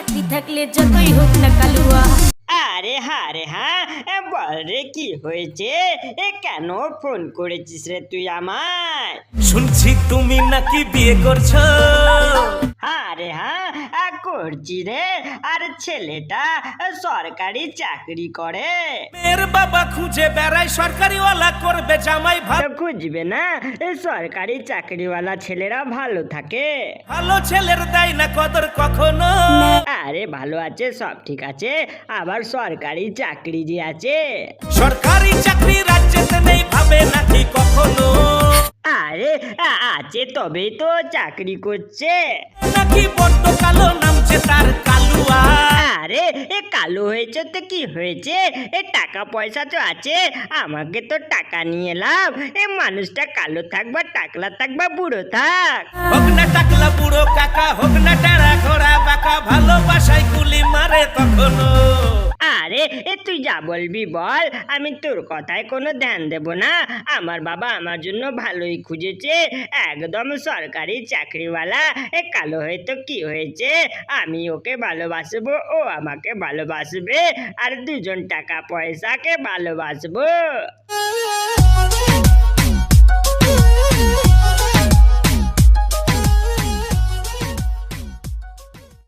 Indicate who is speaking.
Speaker 1: চাকরি থাকলে যতই হোক না কালুয়া।
Speaker 2: আরে হ্যাঁ রে হ্যাঁ, বল রে কি হয়েছে, কেন ফোন করেছিস রে তুই আমায়?
Speaker 3: শুনছি তুমি নাকি বিয়ে করছো।
Speaker 2: হ্যাঁ রে হ্যাঁ, করছি রে। আর ছেলেটা সরকারি চাকরি করে।
Speaker 3: মেয়ের বাবা খুঁজে বেড়ায় সরকারিওয়ালা করবে জামাই,
Speaker 2: তো খুঁজবে না, সরকারি চাকরিওয়ালা ছেলেরা ভালো থাকে।
Speaker 3: ভালো ছেলের দেয় না কদর কখনো।
Speaker 2: আরে ভালো আছে, সব ঠিক আছে, আবার সরকারি চাকরি যে আছে।
Speaker 3: সরকারি চাকরি রাজ্যেতে নেই ভাবে নাকি কখনো।
Speaker 2: আরে আছে তবেই তো চাকরি করছে।
Speaker 3: নাকি বড্ড কালো নামছে তার কালুয়া।
Speaker 2: আরে কালো হয়েছে তো কি হয়েছে, টাকা পয়সা তো আছে, আমাকে তো টাকা নিয়ে লাভ। মানুষটা কালো থাক বা টাকলা থাক বা বুড়ো থাক।
Speaker 3: হোক না টাকলা বুড়ো কাকা, হোক না টেরা ঘোড়া বাঁকা, ভালোবাসায় গুলি মারে তখনো।
Speaker 2: আরে তুই যা বলবি বল, আমি তোর কথায় কোনো ধ্যান দেব না। আমার বাবা আমার জন্য ভালোই খুঁজেছে, একদম সরকারি চাকরিওয়ালা। কালো হয়তো কি হয়েছে, আমি ওকে ভালোবাসবো, ও আমাকে ভালোবাসবে, আর দুজন টাকা পয়সাকে ভালোবাসবো।